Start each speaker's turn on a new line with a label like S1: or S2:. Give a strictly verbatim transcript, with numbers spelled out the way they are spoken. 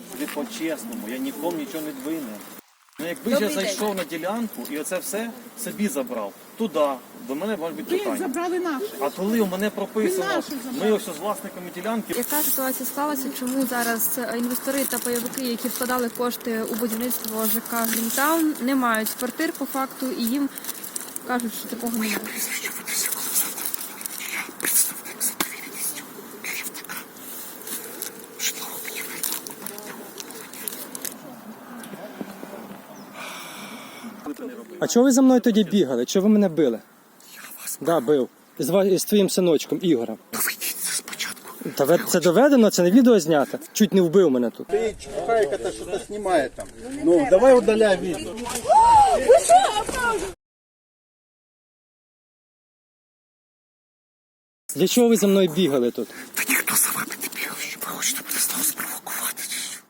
S1: Ви по-чесному, я нікому нічого не винен. Ну якби ж я зайшов на ділянку і оце все собі забрав, туди, до мене може бути
S2: Ви
S1: питання.
S2: забрали наше.
S1: А коли у мене прописано,
S2: Ви наше забрали.
S1: ми ось з власниками ділянки.
S3: Яка ситуація склалася? Чому зараз інвестори та пайовики, які вкладали кошти у будівництво ЖК Грінтаун, не мають квартир по факту і їм кажуть, що такого немає?
S4: А чого ви за мною тоді бігали? Чого ви мене били?
S5: Я вас
S4: Да, бив. З, ва- з твоїм синочком Ігорем.
S5: доведіть це спочатку.
S4: Та ви- це доведено, це не відео знято. Чуть не вбив мене тут.
S6: Ты чухайка-то что-то снимает там. Ну, давай удаляй видео.
S4: Для чого ви за мною бігали тут?
S5: Та ніхто за вами не бігав, що ви хочете